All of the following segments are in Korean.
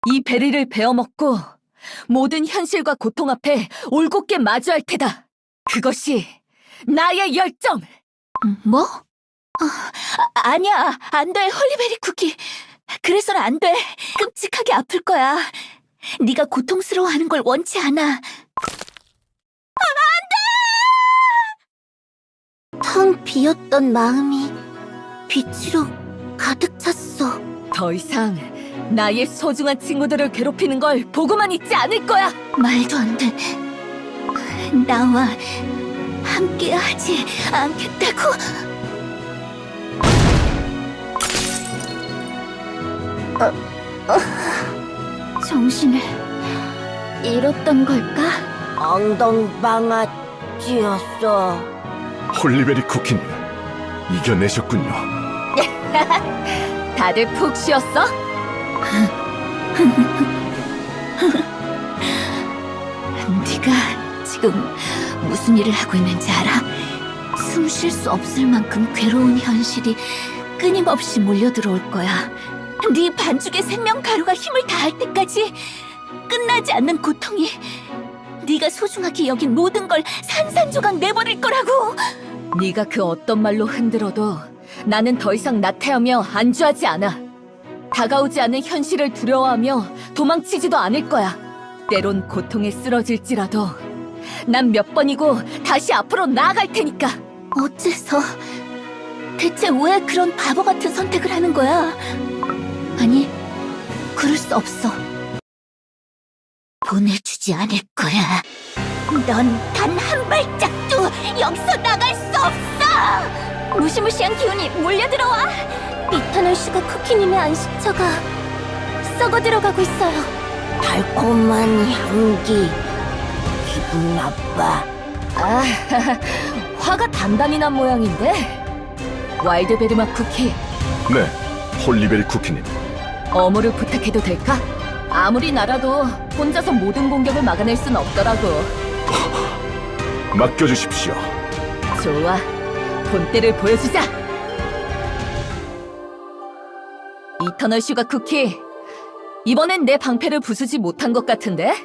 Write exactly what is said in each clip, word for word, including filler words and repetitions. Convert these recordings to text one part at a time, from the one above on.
이 베리를 베어먹고 모든 현실과 고통 앞에 올곧게 마주할 테다. 그것이 나의 열정! 뭐? 어, 아, 아니야, 안 돼, 홀리베리 쿠키. 그래서는 안 돼. 끔찍하게 아플 거야. 네가 고통스러워하는 걸 원치 않아. 아, 안 돼! 텅 비었던 마음이 빛으로 가득 찼어. 더 이상 나의 소중한 친구들을 괴롭히는 걸 보고만 있지 않을 거야! 말도 안 돼. 나와 함께 하지 않겠다고. 어, 어, 정신을 잃었던 걸까? 엉덩방아찌였어. 홀리베리 쿠키님, 이겨내셨군요. 다들 푹 쉬었어? 네가 지금 무슨 일을 하고 있는지 알아? 숨 쉴 수 없을 만큼 괴로운 현실이 끊임없이 몰려들어올 거야. 네 반죽의 생명 가루가 힘을 다할 때까지 끝나지 않는 고통이 네가 소중하게 여긴 모든 걸 산산조각 내버릴 거라고. 네가 그 어떤 말로 흔들어도 나는 더 이상 나태하며 안주하지 않아. 다가오지 않는 현실을 두려워하며 도망치지도 않을 거야. 때론 고통에 쓰러질지라도 난 몇 번이고 다시 앞으로 나아갈 테니까. 어째서 대체 왜 그런 바보 같은 선택을 하는 거야? 아니, 그럴 수 없어. 보내주지 않을 거야. 넌 단 한 발짝도 여기서 나갈 수 없어! 무시무시한 기운이 몰려들어와! 이터널 슈가 쿠키님의 안식처가 썩어 들어가고 있어요. 달콤한 향기. 기분 나빠. 아, 화가 단단히 난 모양인데? 와일드베리맛 쿠키, 네, 홀리베리 쿠키님. 어무를 부탁해도 될까? 아무리 나라도 혼자서 모든 공격을 막아낼 순 없더라고. 맡겨주십시오. 좋아, 본때를 보여주자! 이터널 슈가 쿠키, 이번엔 내 방패를 부수지 못한 것 같은데?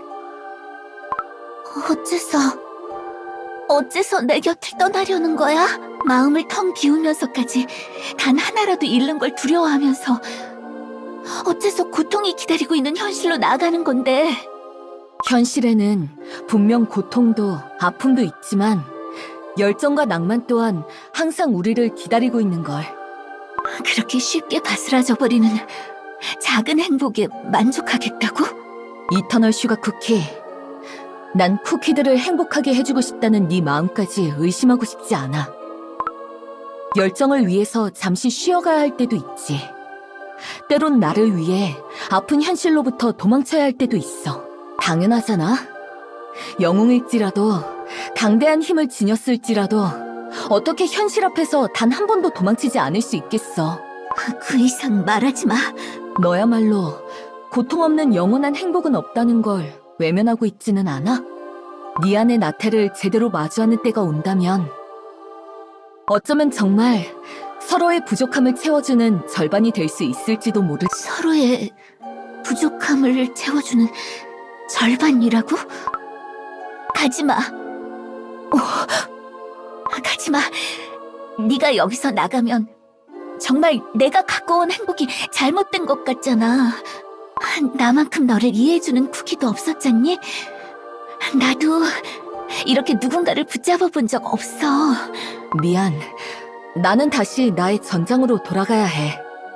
어째서, 어째서 내 곁을 떠나려는 거야? 마음을 텅 비우면서까지 단 하나라도 잃는 걸 두려워하면서 어째서 고통이 기다리고 있는 현실로 나아가는 건데. 현실에는 분명 고통도 아픔도 있지만 열정과 낭만 또한 항상 우리를 기다리고 있는 걸. 그렇게 쉽게 바스라져 버리는 작은 행복에 만족하겠다고? 이터널 슈가 쿠키, 난 쿠키들을 행복하게 해주고 싶다는 네 마음까지 의심하고 싶지 않아. 열정을 위해서 잠시 쉬어가야 할 때도 있지. 때론 나를 위해 아픈 현실로부터 도망쳐야 할 때도 있어. 당연하잖아. 영웅일지라도 강대한 힘을 지녔을지라도 어떻게 현실 앞에서 단 한 번도 도망치지 않을 수 있겠어. 그 이상 말하지 마. 너야말로 고통 없는 영원한 행복은 없다는 걸 외면하고 있지는 않아? 네 안의 나태를 제대로 마주하는 때가 온다면 어쩌면 정말 서로의 부족함을 채워주는 절반이 될 수 있을지도 모르. 서로의 부족함을 채워주는 절반이라고? 가지마. 어, 가지마. 네가 여기서 나가면 정말 내가 갖고 온 행복이 잘못된 것 같잖아. 나만큼 너를 이해해주는 쿠키도 없었잖니? 나도 이렇게 누군가를 붙잡아 본 적 없어. 미안. 나는 다시 나의 전장으로 돌아가야 해.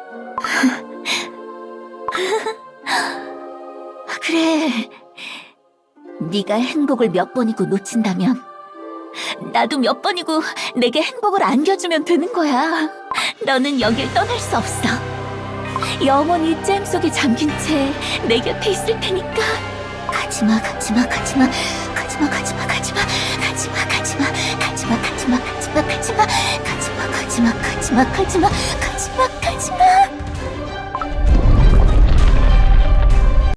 그래. 네가 행복을 몇 번이고 놓친다면 나도 몇 번이고 내게 행복을 안겨주면 되는 거야. 너는 여길 떠날 수 없어. 영원히 잼 속에 잠긴 채 내 곁에 있을 테니까. 가지마, 가지마, 가지마, 가지마, 가지마, 가지마, 가지마, 가지마, 가지마, 가지마, 가지마, 가지마, 가지마, 가지마, 가지마, 가지마,